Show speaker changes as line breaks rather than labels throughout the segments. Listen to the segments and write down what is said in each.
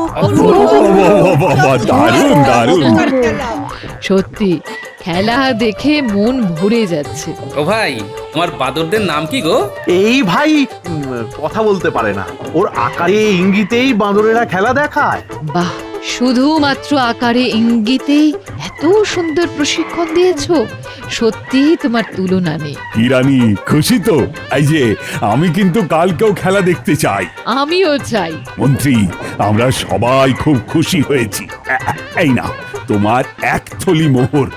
বাবা, দারুণ দারুণ।
সত্যি খেলা দেখে মন ভরে যাচ্ছে।
ও ভাই, তোমার বাদরদের নাম কি গো?
এই ভাই কথা বলতে পারে না, ওর আকারে ইঙ্গিতেই বাঁদরেরা খেলা দেখায়।
বাহ, শুধুমাত্র আকারে ইঙ্গিতেই এত সুন্দর প্রশিক্ষণ দিয়েছো, সত্যি তোমার তুলনা নেই।
কি রানী, খুশি তো? এই যে আমি কিন্তু কালকেও খেলা দেখতে চাই।
আমিও চাই।
মন্ত্রী, আমরা সবাই খুব খুশি হয়েছি। এই না তোমার এক থলি মোহর।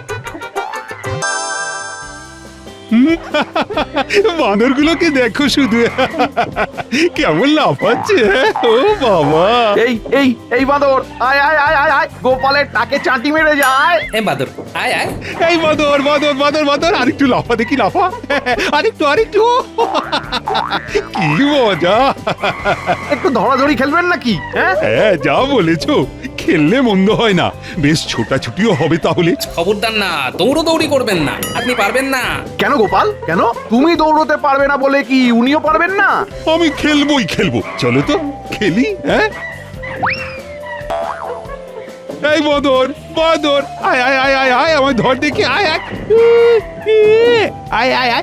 বানরগুলোকে দেখো শুধু, কেমন লাফাচ্ছে। ও বাবা,
এই এই এই বাঁদর, আয় আয় আয় আয় আয়, গোপালের টাকে চাটি মেরে যায়।
এ বাদর, আয় আয়।
এই বাদর বাদর বাদর বাদর, আরেকটু লাফা দেখি, লাফা, আরেকটু আরেকটু। কি মজা।
একটু ধরাধরি খেলবেন নাকি? হ্যাঁ,
হ্যাঁ, যা বলেছো, খেললে মন্দ হয় না, বেশ ছোটাছুটিও হবে তাহলে।
খবরদার না, দৌড়ি করবেন না, আপনি পারবেন না।
কেন গোপাল, কেন? তুমি দৌড়তে পারবে না বলে কি উনিও পারবেন না?
আমি খেলবোই খেলবো, চলো তো খেলি। হ্যাঁ, এই বাদর বাদর, আয় আয় আয় আয় আয়, আমার ধর দেখি, আয় আয় আয় আয় আয়।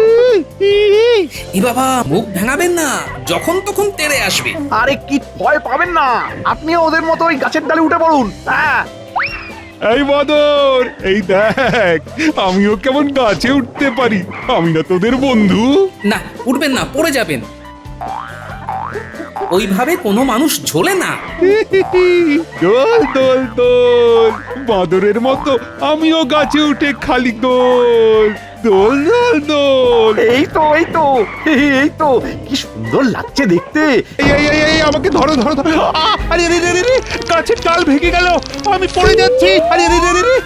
ই বাবা, মুখ ভাঙাবেন না, যখন তখন তেড়ে আসবে।
আরে কি ভয় পাবেন না, আপনিও ওদের মতো ওই গাছের ডালে উঠে পড়ুন। হ্যাঁ,
এই বাদর, এই দেখ, আমিও কেমন গাছে উঠতে পারি, আমি না তোদের বন্ধু?
না, উঠবেন না, পড়ে যাবেন। ওইভাবে কোনো মানুষ ঝোলে না।
দোল দোল দোল, বাদরের মতো আমিও গাছে উঠে খালি দোল দোল দোল দোল।
এই তো এই তো এই তো, কি সুন্দর লাগছে দেখতে।
এই এই এই এই, আমাকে ধরো ধরো ধরো। আরে রে রে রে রে, গাছের ডাল ভেঙে গেল, আমি পড়ে যাচ্ছি। আরে রে রে রে রে,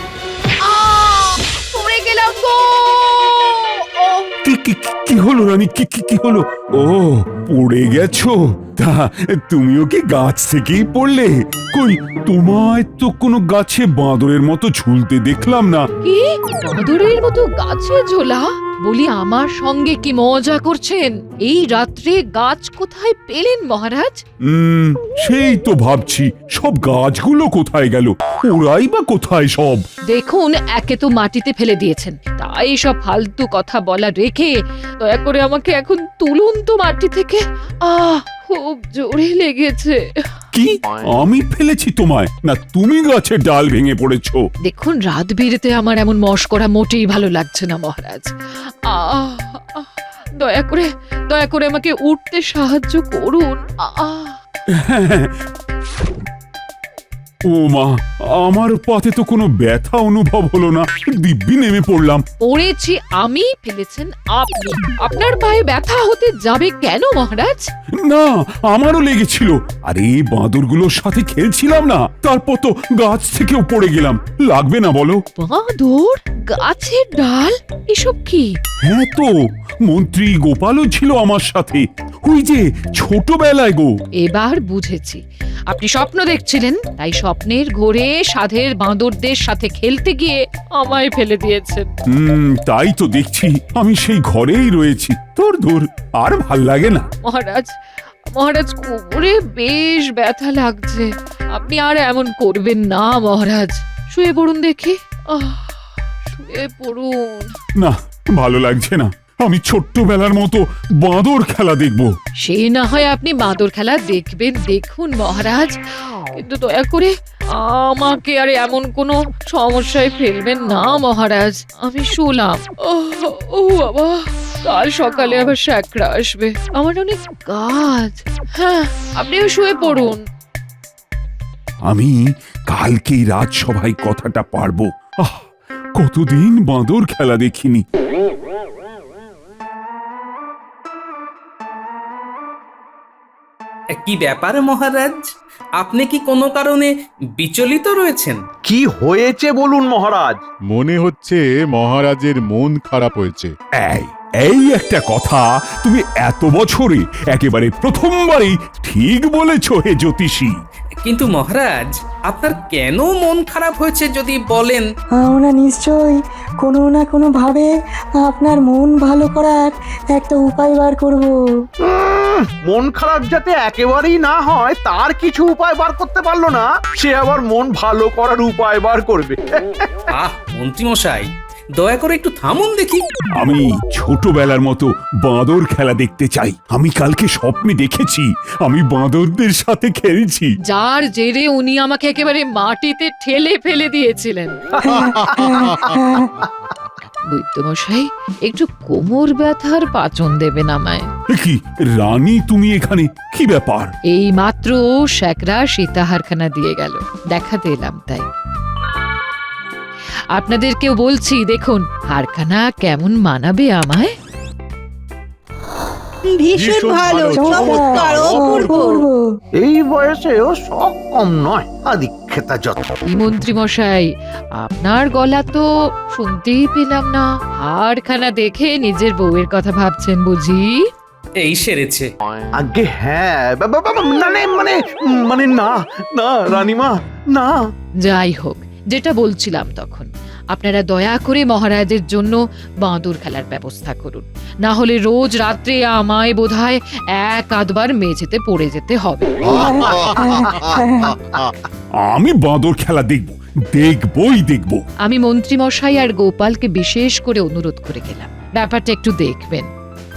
পড়ে গেলাম গো।
কি কি কি হলো রানী, কি কি কি হলো? ও, পড়ে গেছো? তা তুমিও কি গাছ থেকেই পড়লে? কই, তোমায় তো কোনো গাছে বাঁদরের মতো ঝুলতে দেখলাম না।
কি বাঁদরের মতো গাছে ঝোলা? বলি, আমার সঙ্গে কি মজা করছেন? এই রাত্রে গাছ কোথায় পেলেন মহারাজ?
সেই তো ভাবছি, সব গাছগুলো কোথায় গেল? ওরাই বা কোথায় সব?
দেখুন, একে তো মাটিতে ফেলে দিয়েছেন, তাই সব ফালতু কথা বলা রেখে দয়া করে আমাকে এখন তুলুন তো মাটি থেকে। খুব জোরে লেগেছে।
কি, আমি ফেলেছি তোমায়, না তুমি গাছের ডাল ভেঙে পড়েছো?
দেখুন, রাত বিরেতে আমার এমন মশকরা মোটেই ভালো লাগছে না মহারাজ। আহ আহ, দয়া করে আমাকে উঠতে সাহায্য করুন।
ও মা, আমার পাতে তো কোনো ব্যথা অনুভব হলো না, দিব্যি নেমে পড়লাম।
পড়েছি আমি, ফেলেছেন আপনি। আপনার পায়ে ব্যথা হতে যাবে কেন মহারাজ?
না, আমারও লেগেছিল। আরে বাঁদরগুলোর সাথে খেলছিলাম না, তারপর তো গাছ থেকেও পড়ে গেলাম। লাগবে না বলো?
বাঁদর, গাছের ডাল, এসব কি?
হ্যাঁ তো, মন্ত্রী গোপালও ছিল আমার সাথে, ওই যে ছোটবেলায় গো।
এবার বুঝেছি, আপনি স্বপ্ন দেখছিলেন, তাই স্বপ্নের ঘোরে সাধের বাঁদরদের সাথে খেলতে গিয়ে আমায় ফেলে দিয়েছেন।
তাই তো দেখছি, আমি সেই ঘরেই রয়েছি। তোর দূর, আর ভাল লাগে না।
মহারাজ কোমরে বেশ ব্যথা লাগছে, আপনি আর এমন করবেন না মহারাজ। শুয়ে পড়ুন দেখি। শুয়ে পড়ুন।
না, ভালো লাগছে না, আমি ছোট্টবেলার মতো বাঁদর খেলা দেখবো।
সে না হয় আপনি বাঁদর খেলা দেখবেন, দেখুন মহারাজ, কিন্তু দয়া করে আমাকে আর এমন কোনো সমস্যায় ফেলবেন না মহারাজ। আমি শুলাম। ও বাবা, কাল সকালে আবার শ্যাকরা আসবে, আমার অনেক কাজ। হ্যাঁ, আপনিও শুয়ে পড়ুন।
আমি কালকেই রাজসভায় কথাটা পারবো। কতদিন বাঁদর খেলা দেখিনি।
কি ব্যাপার মহারাজ, আপনি কি কোনো কারণে বিচলিত রয়েছেন?
কি হয়েছে বলুন মহারাজ।
মনে হচ্ছে মহারাজের মন খারাপ হয়েছে।
এই একটা কথা তুমি এত বছরে একেবারে প্রথমবারই ঠিক বলেছ হে জ্যোতিষী।
কিন্তু মহারাজ আপনার কেন মন খারাপ হয়েছে যদি বলেন?
আমরা নিশ্চয়ই কোনো না কোনো ভাবে আপনার মন ভালো করার একটা উপায় বার করব।
মন খারাপ যাতে একেবারেই না হয় তার কিছু উপায় বার করতে পারলো না, সে আবার মন ভালো করার উপায় বার করবে।
আহ মন্ত্রীমশাই, দয়া করে একটু থামুন দেখি।
আমি ছোটবেলার মতো বাঁদর খেলা দেখতে চাই। আমি কালকে স্বপ্নে দেখেছি আমি বাঁদরদের সাথে খেলছি।
যার জেরে উনি আমাকে একেবারে মাটিতে ঠেলে ফেলে দিয়েছিলেন। বৈদ্যমশাই, একটু কোমর ব্যথার পাচন দেবেন আমায়।
এ কি রানী, তুমি এখানে? কি ব্যাপার?
এই মাত্র শ্যাকরা সীতাহারখানা দিয়ে গেল, দেখাতে এলাম তাই। আপনাদেরকেও বলছি, দেখুন হারখানা কেমন মানাবে আমায়।
ভীষণ ভালো, চমৎকার, অপূর্ব।
এই বয়সেও শখ কম নয়, আদিক্ষেতা যত।
কি মন্ত্রী মশাই, আপনার গলা তো শুনতেই পেলাম না। হারখানা দেখে নিজের বউয়ের কথা ভাবছেন বুঝি?
এই সেরেছে।
আগে হ্যাঁ, মানে মানে মানে না না রানীমা, না।
যাই হোক, যেটা বলছিলাম তখন, আপনারা দয়া করে মহারাজের জন্য বাঁদর খেলার ব্যবস্থা করুন। না হলে রোজ রাত্রে আমায় বোধহয় এক আধবার মেঝেতে পড়ে যেতে হবে।
আমি বাঁদর খেলা দেখব, দেখবই দেখব।
আমি মন্ত্রী মশাই আর গোপালকে বিশেষ করে অনুরোধ করে গেলাম, ব্যাপারটা একটু দেখবেন।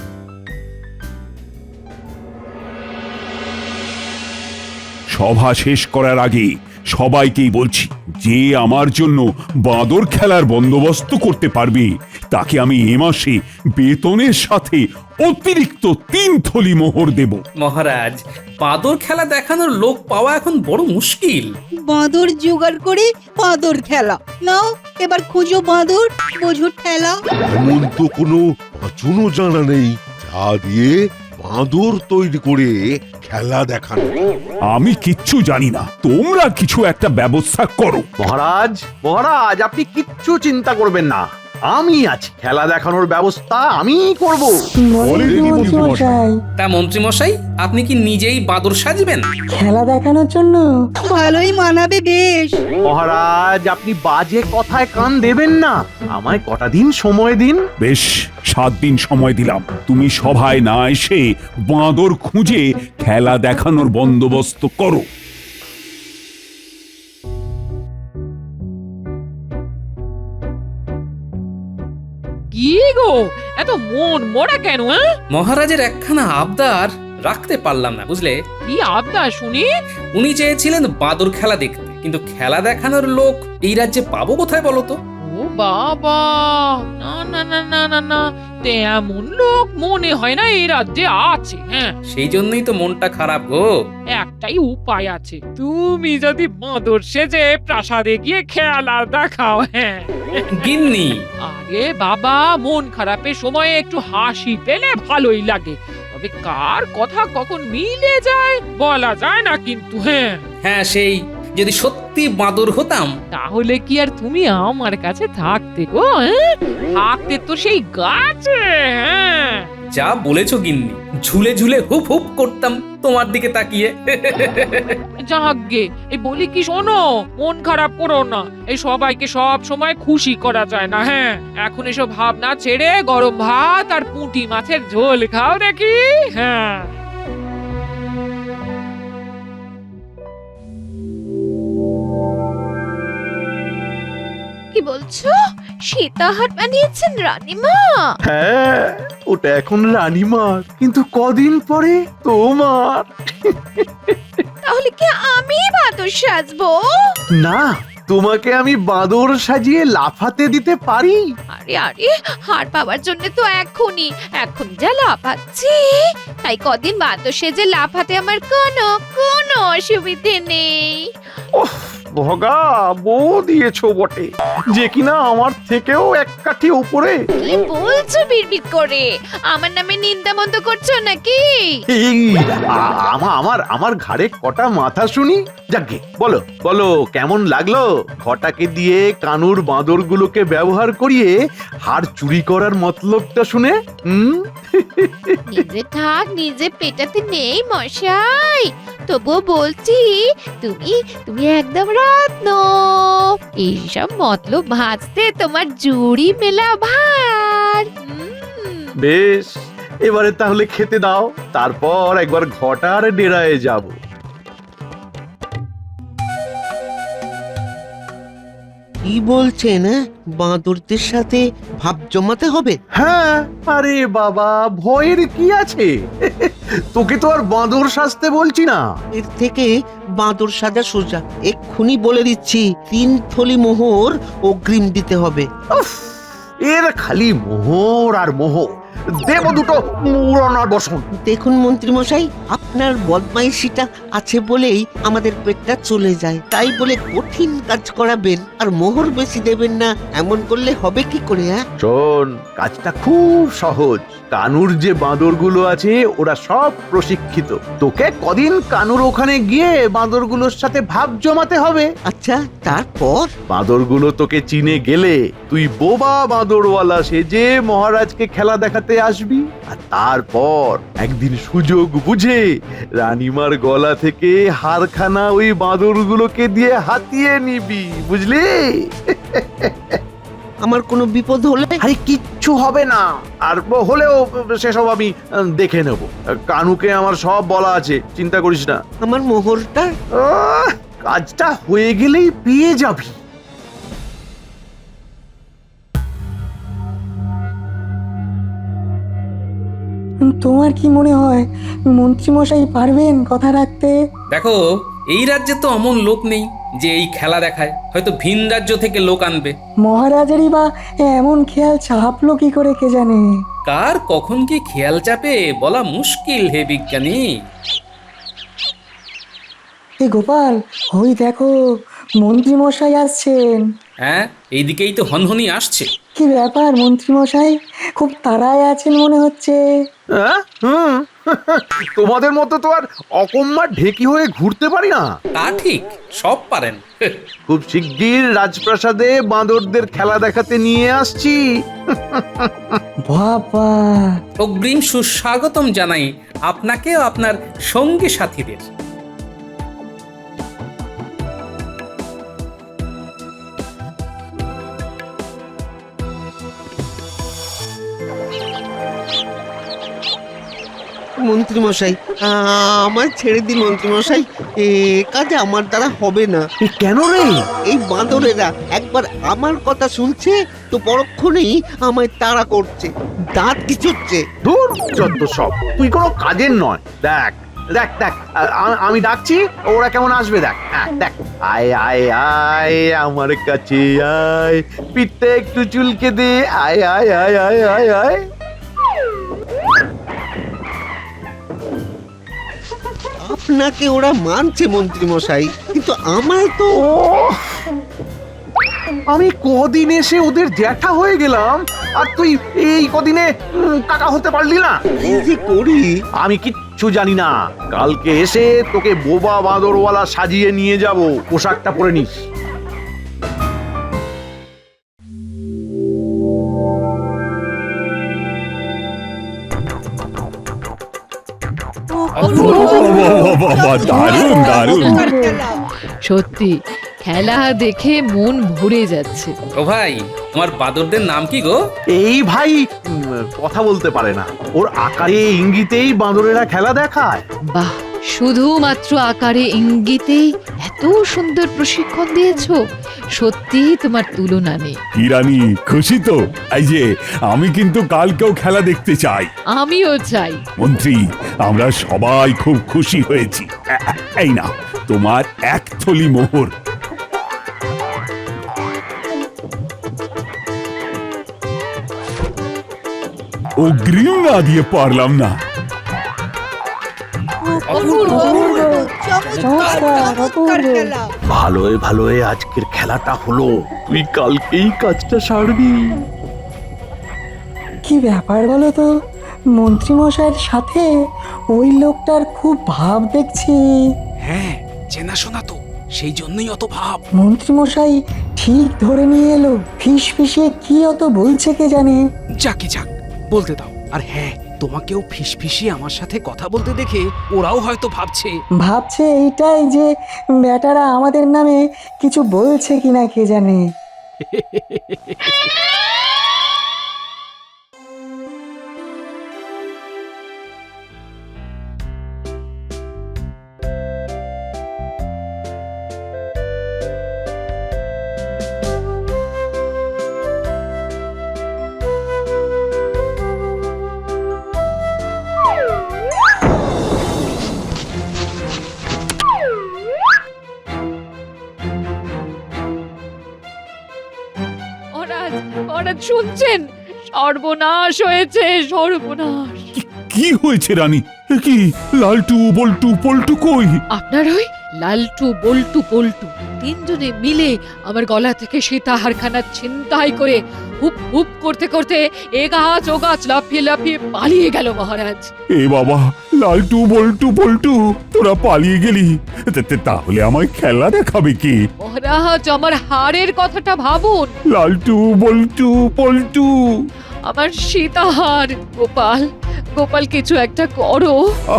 সভা শেষ করার আগে সবাইকেই বলছি, যে আমার জন্য বাঁদর খেলার বন্দোবস্ত করতে পারবে তাকে আমি এ মাসে বেতনের সাথে অতিরিক্ত 3 থলি মোহর দেব।
মহারাজ, বাঁদর খেলা দেখানোর লোক পাওয়া এখন বড় মুশকিল।
বাঁদর জোগাড় করে বাঁদর খেলা নাও, এবার খুঁজো বাঁদর, বোঝো ঠেলা।
এমন তো কোনো পাঁচনও জানা নেই যা দিয়ে বাঁদর তৈরি করে খেলা দেখানো।
আমি কিচ্ছু জানি না, তোমরা কিছু একটা ব্যবস্থা করো।
মহারাজ, মহারাজ আপনি কিচ্ছু চিন্তা করবেন না, আমি আছি। খেলা দেখানোর ব্যবস্থা আমি করব।
বলেন কি মন্ত্রীমশাই,
তা মন্ত্রীমশাই, আপনি কি নিজেই বাঁদর সাজবেন?
খেলা দেখানোর জন্য?
ভালোই মানাবে বেশ।
মহারাজ আপনি বাজে কথায় কান দেবেন না, আমায় কটা দিন সময় দিন।
বেশ, 7 দিন সময় দিলাম। তুমি সভায় না এসে বাঁদর খুঁজে খেলা দেখানোর বন্দোবস্ত করো।
কি গো, এত মন মরা কেন?
মহারাজের একখানা আবদার রাখতে পারলাম না, বুঝলে?
কি আবদার শুনি?
উনি চেয়েছিলেন বাঁদর খেলা দেখতে, কিন্তু খেলা দেখানোর লোক এই রাজ্যে পাবো কোথায় বলো তো?
ও বাবা, না না না না না না, তেমন লোক মনে হয় না এই রাজ্যে আছে। হ্যাঁ,
সেই জন্যই তো মনটা খারাপ গো।
একটাই উপায় আছে, তুমি যদি বাঁদর সেজে প্রাসাদে গিয়ে খেলা দেখাও। হ্যাঁ,
গিন্নি,
আরে বাবা, মন খারাপের সময়ে একটু হাসি পেলে ভালোই লাগে, তবে কার কথা কখন মিলে যায় বলা যায় না কিন্তু। হ্যাঁ
হ্যাঁ, সেই যদি সত্যি বাঁদর হতাম
তাহলে কি আর তুমি আমার কাছে থাকতে গো? হ্যাঁ? থাকতে তো সেই গাছে। হ্যাঁ,
যা বলেছো গিন্নি, ঝুলে ঝুলে হুপ হুপ করতাম তোমার দিকে তাকিয়ে।
যাগ্গে, এই বলি কি শোনো, মন খারাপ করো না, এই সবাইকে সব সময় খুশি করা যায় না। হ্যাঁ, এখন এসব ভাবনা ছেড়ে গরম ভাত আর পুঁটি মাছের ঝোল খাও দেখি। হ্যাঁ,
কি বলছো? সীতাহার বানিয়েছেন রানীমা?
হ্যাঁ, ওটা এখন রানীমার, কিন্তু কদিন পরে তোমার।
তাহলে কি আমি বাদর সাজবো?
না, তোমাকে আমি বাঁদর সাজিয়ে লাফাতে দিতে পারি।
আরে আরে, হার পাওয়ার জন্য তো এখন যা লাফাচ্ছি, তাই কদিন বাদর সেজে লাফাতে আমার কোনো অসুবিধে নেই।
ওহ, ভগা বউ দিয়েছো বটে, যে কিনা আমার থেকেও এক কাঠি উপরে।
কি বলছো বিড়বিড় করে? আমার নামে নিন্দা মন্দ করছো নাকি?
এই আমার ঘাড়ে কটা মাথা শুনি। যাকে বলো বলো, কেমন লাগলো ঘটাকে দিয়ে কানুর বাঁদরগুলোকে ব্যবহার করিয়ে হাড় চুরি করার মতলবটা শুনে?
নিজে ঠাক নিজে পেটাতে নেই মশাই, তবুও বলছি তুমি তুমি একদম রত্ন। এইসব মতলব ভাজতে তোমার জুড়ি মেলা ভার।
বেশ, এবারে তাহলে খেতে দাও, তারপর একবার ঘটার ডেরায় যাব।
কি বলছেন? বাঁদরদের সাথে ভাব জমাতে হবে?
হ্যাঁ, আরে বাবা, ভয়ের কি আছে? তোকে তো আর বাঁদর সাজতে বলছি না।
এর থেকে বাঁদর সাজা সোজা। এক্ষুনি বলে দিচ্ছি, 3 থলি মোহর অগ্রিম দিতে হবে।
উফ, এর খালি মোহর আর মোহর। দেব দুটো মুরনার বসন।
দেখুন মন্ত্রী মশাই, আপনার বদমাইশিটা আছে বলেই আমাদের পেটটা চলে যায়। তাই বলে কঠিন কাজ করাবেন আর মোহর বেশি দেবেন না, এমন করলে হবে কি করে?
শোন, কাজটা খুব সহজ। কানুর যে বাঁদরগুলো আছে ওরা সব প্রশিক্ষিত। তোকে কদিন কানুর ওখানে গিয়ে বাঁদরগুলোর সাথে ভাব জমাতে হবে।
আচ্ছা, তারপর?
বাঁদরগুলো তোকে চিনে গেলে তুই বোবা বাঁদরওয়ালা সেজে মহারাজকে খেলা দেখাতে আসবি। আর তারপর একদিন সুযোগ বুঝে রানীমার গলা থেকে হারখানা ওই বাঁদরগুলোকে দিয়ে হাতিয়ে নিবি, বুঝলি?
আমার কোনো বিপদ হলে?
আরে কিচ্ছু হবে না, আর হলেও সেসব আমি দেখে নেব। কানুকে আমার সব বলা আছে, চিন্তা করিস না।
আমার মোহরটা?
কাজটা হয়ে গেলেই পেয়ে যাবি।
তোমার কি মনে হয় মন্ত্রীমশাই পারবেন কথা রাখতে?
দেখো, এই রাজ্যে তো অমন লোক নেই যে এই খেলা দেখায়। হয়তো ভিন রাজ্য থেকে লোক আনবে।
মহারাজেরই বা এমন খেয়াল চাপলো কি করে কে জানে?
কার কখন কি খেয়াল চাপে বলা মুশকিল হে বিজ্ঞানী।
এ গোপাল, ওই দেখো মন্ত্রীমশাই আসছেন।
হ্যাঁ, এইদিকেই তো হনহনি আসছে।
কি ব্যাপার মন্ত্রীমশাই, খুব তাড়ায় আছেন মনে হচ্ছে।
তোমাদের মতো তো আর অকম্মা ঢেকি হয়ে ঘুরতে পারি না।
তা ঠিক, সব পারেন।
খুব শিগগির রাজপ্রাসাদে বাঁদরদের খেলা দেখাতে নিয়ে আসছি।
বাবা,
অগ্রিম সুস্বাগতম জানাই আপনাকে ও আপনার সঙ্গী সাথীদের।
মন্ত্রী মশাই, আমার ছেড়ে দিন মন্ত্রী মশাই, এ কাজে আমার দ্বারা হবে না।
কেন রে?
এই বাঁদরেরা একবার আমার কথা শুনছে তো পরক্ষণেই আমায় তাড়া করছে, দাঁত খিচুচ্ছে।
দূর যত সব, তুই কোনো কাজের নয়। দেখ দেখ দেখ, আমি ডাকছি, ওরা কেমন আসবে দেখ। দেখ, আয় আয় আয় আমার কাছে আয়, পিঠটা একটু চুলকে দে, আয় আয় আয় আয় আয় আয়।
আপনাকে ওরা মানছে মন্ত্রী মশাই, কিন্তু আমায় তো।
আমি কদিন এসে ওদের জ্যাঠা হয়ে গেলাম, আর তুই এই কদিনে কাকা হতে পারলি না।
কি যে করি
আমি কিচ্ছু জানি না। কালকে এসে তোকে বোবা বাঁদরওয়ালা সাজিয়ে নিয়ে যাব, পোশাকটা পরে নিস।
বাবা, দারুণ দারুণ।
সত্যি খেলা দেখে মন ভরে যাচ্ছে।
ও ভাই, তোমার বাদরদের নাম কি গো?
এই ভাই কথা বলতে পারে না, ওর আকারে ইঙ্গিতেই বাঁদরেরা খেলা দেখায়।
বাহ, শুধুমাত্র আকারে ইঙ্গিতেই এত সুন্দর প্রশিক্ষণ দিয়েছো, সত্যি তোমার তুলনা নেই।
কি রানী, খুশি তো? এই যে আমি কিন্তু কালকেও খেলা দেখতে চাই।
আমিও চাই।
মন্ত্রী, আমরা সবাই খুব খুশি হয়েছি। এই না তোমার 1 থলি মোহর। অগ্রিম না দিয়ে পারলাম না।
অপূর্ব
অপূর্ব।
চমৎকার
অপূর্ব।
খেলা
ভালোয় ভালোয় আজকের খেলাটা হলো, তুই কালকেই কাজটা সারবি।
কি ব্যাপার বলো তো, মন্ত্রীমশাইয়ের সাথে ওই লোকটার খুব ভাব দেখছি।
হ্যাঁ চেনাশোনা তো, সেই জন্যই অত ভাব।
মন্ত্রীমশাই ঠিক ধরে নিয়ে এলো, ফিস ফিসিয়ে কি অত বলছে কে জানে।
যাকে যাক বলতে দাও। আর হ্যাঁ, তোমাকেও ফিসফিসিয়ে আমার সাথে কথা বলতে দেখে ওরাও হয়তো ভাবছে।
ভাবছে এইটাই যে বেটারা আমাদের নামে কিছু বলছে কিনা কে জানে।
মহারাজ, মহারাজ শুনছেন? সর্বনাশ হয়েছে, সর্বনাশ।
কি হয়েছে রানী? এ কি, লালটু বল্টু পল্টু কই?
আপনার ওই লালটু বল্টু পল্টু তিনজনে মিলে আমার গলা থেকে সীতাহারখানা ছিনতাই করে হুপ হুপ করতে করতে এ গাছ ও গাছ লাফিয়ে লাফিয়ে পালিয়ে গেল মহারাজ।
এ বাবা, লালটু বল্টু পল্টু তোরা পালিয়ে গেলি, তাহলে আমায় খেলা দেখাবে কি?
মহারাজ, আমার হারের কথাটা ভাবুন।
লালটু বল্টু পল্টু।
আমার সীতাহার। গোপাল, গোপাল কিছু একটা করো।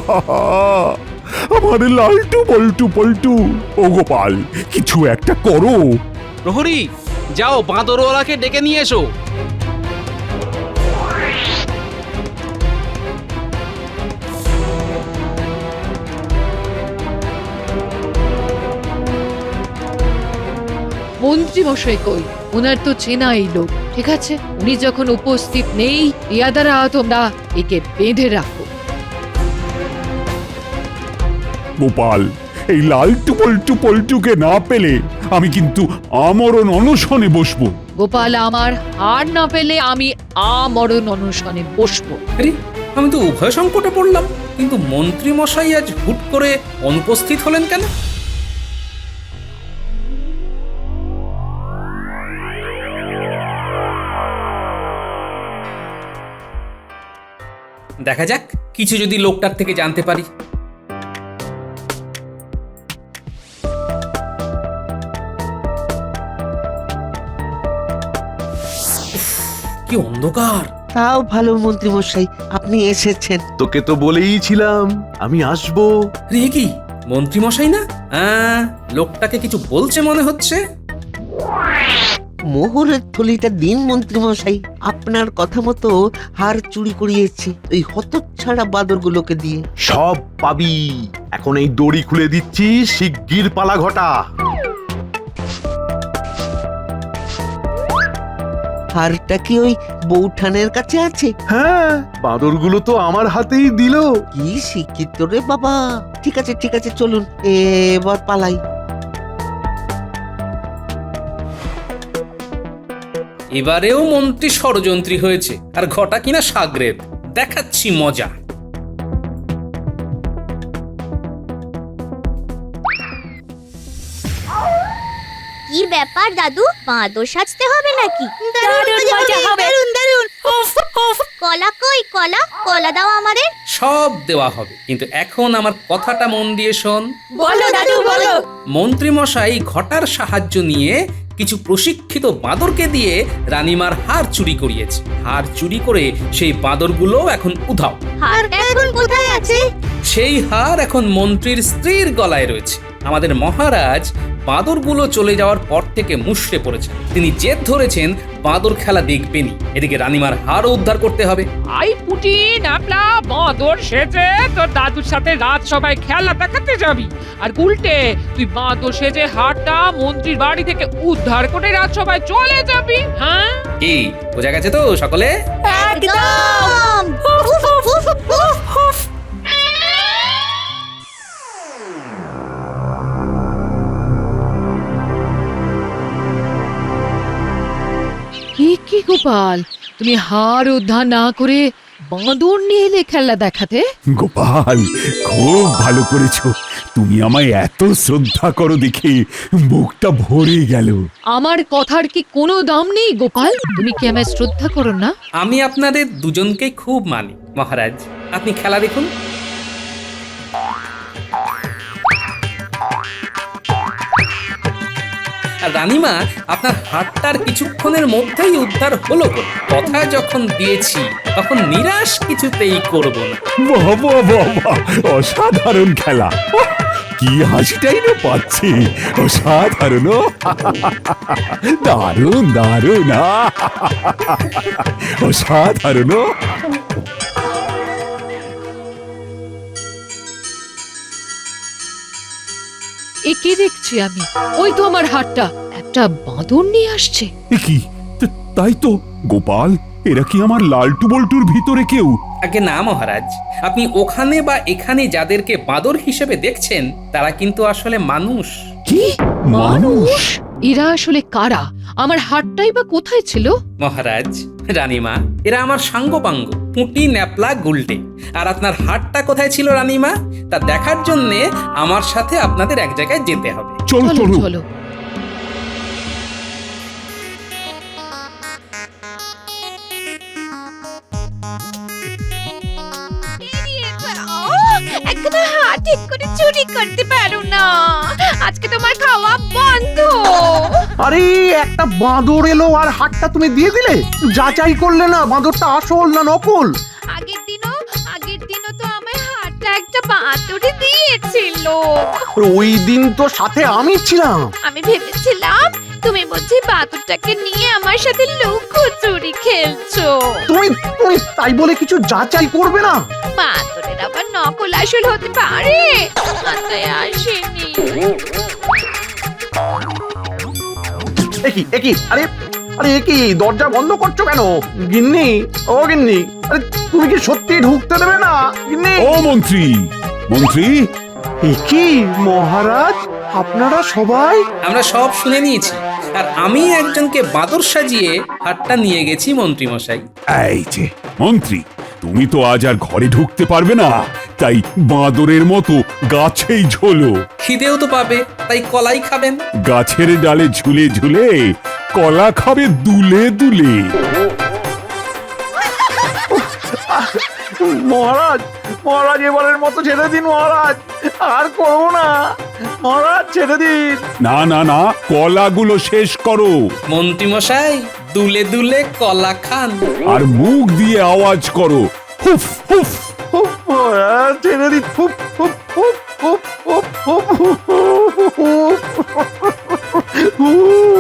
আমার লালটু বল্টু পল্টু, ও গোপাল কিছু একটা করো।
প্রহরী, যাও বাঁদরওয়ালাকে ডেকে নিয়ে এসো।
মন্ত্রী মশাই কই? ওনার তো চেনাই লোক। ঠিক আছে, উনি যখন উপস্থিত নেই, ইয়াদারা তোমরা একে বেঁধে রাখো।
গোপাল, এই লালটু বল্টু পল্টুকে না পেলে আমি কিন্তু আমরণ অনশনে বসবো।
গোপাল, আমার হার না পেলে আমি আমরণ অনশনে বসবো।
আরে, আমি তো উভয় সংকটে পড়লাম। কিন্তু মন্ত্রী মশাই আজ হুট করে অনুপস্থিত হলেন কেন? দেখা যাক, কিছু যদি লোকটার থেকে জানতে পারি। কি অন্ধকার!
তাও ভালো মন্ত্রী মশাই আপনি এসেছেন।
তোকে তো বলেইছিলাম আমি আসবো।
রে কি, মন্ত্রী মশাই না? লোকটাকে কিছু বলছে মনে হচ্ছে।
মোহরের থলিটা দিন মন্ত্রী মশাই, আপনার কথা মতো হার চুরি করিয়েছি ওই হতচ্ছাড়া বাদরগুলোকে দিয়ে।
সব পাবি। এখন এই দড়ি খুলে দিচ্ছি, শিগগির পালা ঘটা।
হারটা কি ওই বৌঠানের কাছে আছে?
হ্যাঁ, বাঁদরগুলো তো আমার হাতেই দিল।
কি শিক্ষিত রে বাবা। ঠিক আছে ঠিক আছে, চলুন এবার পালাই।
এবারেও মন্ত্রী ষড়যন্ত্রী হয়েছে, আর ঘটা কিনা সাগরেদ। দেখাচ্ছি মজা।
কি ব্যাপার দাদু, বাঁদর সাজতে হবে নাকি?
দারুণ
কলা কই? কলা কলা দাও আমাদের।
সব দেওয়া হবে, কিন্তু এখন আমার কথাটা মন দিয়ে শোন।
বলো দাদু বলো।
মন্ত্রী মশাই ঘটার সাহায্য নিয়ে কিছু প্রশিক্ষিত বাঁদরকে দিয়ে রানীমার হার চুরি করিয়েছে। হার চুরি করে সেই বাঁদরগুলো এখন উধাও।
হারটা এখন কোথায় আছে?
সেই হার এখন মন্ত্রীর স্ত্রীর গলায় রয়েছে। আমাদের মহারাজ বাঁদরগুলো চলে যাওয়ার পর থেকে মুষড়ে পড়েছেন। তিনি জেদ ধরেছেন বাঁদর খেলা দেখবেনই। এদিকে রানীমার হারও উদ্ধার করতে হবে।
আই পুটি নাপলা বাঁদর সেজে তোর দাদুর সাথে রাত সবাই খেলা দেখাতে যাবি, আর উল্টে তুই বাঁদর সেজে হারটা মন্ত্রীর বাড়ি থেকে উদ্ধার করে রাত সবাই চলে যাবি। হ্যাঁ,
কি বোঝা গেছে তো সকলে?
একদম।
কি গোপাল, তুমি হার উদ্ধার না করে বাঁদর নিয়ে এলে খেলা দেখাতে?
গোপাল, খুব ভালো করেছো। তুমি আমায় এত শ্রদ্ধা করো দেখে বুকটা ভরে গেল।
আমার কথার কি কোনো দাম নেই গোপাল? তুমি কি আমায় শ্রদ্ধা করো না?
আমি আপনাদের দুজনকে খুব মানি মহারাজ। আপনি খেলা দেখুন। আর রানীমা, আপনার হাতটার কিছুক্ষণের মধ্যেই উদ্ধার হলো বলে কথা যখন দিয়েছি তখন নিরাশ কিছুতেই করব না।
বাহ বাহ বাহ বাহ, অসাধারণ খেলা। কি হাসিটাই না পাচ্ছি, অসাধারণ। দারুণ দারুণ, অসাধারণ।
এ কি দেখছি আমি? ওই তো আমার হাতটা, একটা বাঁদর নিয়ে আসছে।
এ কি, তাই তো গোপাল, এরা কি আমার লালটু বল্টুর ভিতরে কেউ?
আগে না মহারাজ, আপনি ওখানে বা এখানে যাদেরকে বাঁদর হিসেবে দেখছেন তারা কিন্তু আসলে মানুষ।
কি মানুষ?
এরা আসলে কারা? আমার হাতটাই বা কোথায় ছিল?
মহারাজ, রানীমা, এরা আমার সাঙ্গপাঙ্গ, পুঁটি, ন্যাপলা, গুলটে। আর আপনার হাতটা কোথায় ছিল রানীমা, তা দেখার জন্যে আমার সাথে আপনাদের এক জায়গায় যেতে হবে।
চলো
চলো
চলো।
চলো।
একদম হাত ঠিক করে চুরি করতে পারো না, আজকে তোমার খাওয়া বন্ধ।
আরে একটা বাঁদর এলো আর হাতটা তুমি দিয়ে দিলে, যাচাই করলে না বাঁদরটা আসল না নকল?
আগের দিনও তো আমার হাতটা একটা বাঁদরে দিয়েছিল।
ওই দিন তো সাথে আমি ছিলাম।
আমি ভেবেছিলাম তুমি বুঝি বাদুরটাকে নিয়ে আমার সাথে লুকোচুরি খেলছো।
তুমি তুমি তাই বলে কিছু যাচাই করবে না?
বাদুরের আবার নকল আসল হতে পারে, মাথায় আসেনি।
একই আরে আরে একই, দরজা বন্ধ করছো কেন? গিন্নি, ও গিন্নি, আরে তুমি কি সত্যি ঢুকতে দেবে না গিন্নি?
ও মন্ত্রী, মন্ত্রী।
একই মহারাজ, আপনারা সবাই?
আমরা সব শুনে নিয়েছি, আর আমি একজনকে বাঁদর সাজিয়ে হাতটা নিয়ে গেছি মন্ত্রী মশাই।
এই যে মন্ত্রী, তুমি তো আজ আর ঘরে ঢুকতে পারবে না, তাই বাঁদরের মতো গাছেই ঝোলো।
খিদেও তো পাবে, তাই কলাই খাবেন।
গাছের ডালে ঝুলে ঝুলে কলা খাবে দুলে দুলে।
মহারাজ, মহারাজ এবারের মতো ছেড়ে দিন মহারাজ, আর করবো না মহারাজ, ছেড়ে দিন।
না না না, কলাগুলো শেষ করো।
মন্ত্রী মশাই, দুলে দুলে কলা খান।
আর মুখ দিয়ে আওয়াজ করো, হুফ হুফ।
উফ, মহারাজ ছেড়ে দিন। উফ, উফ, উফ, উফ, উফ, উফ, উফ, উফ, উফ।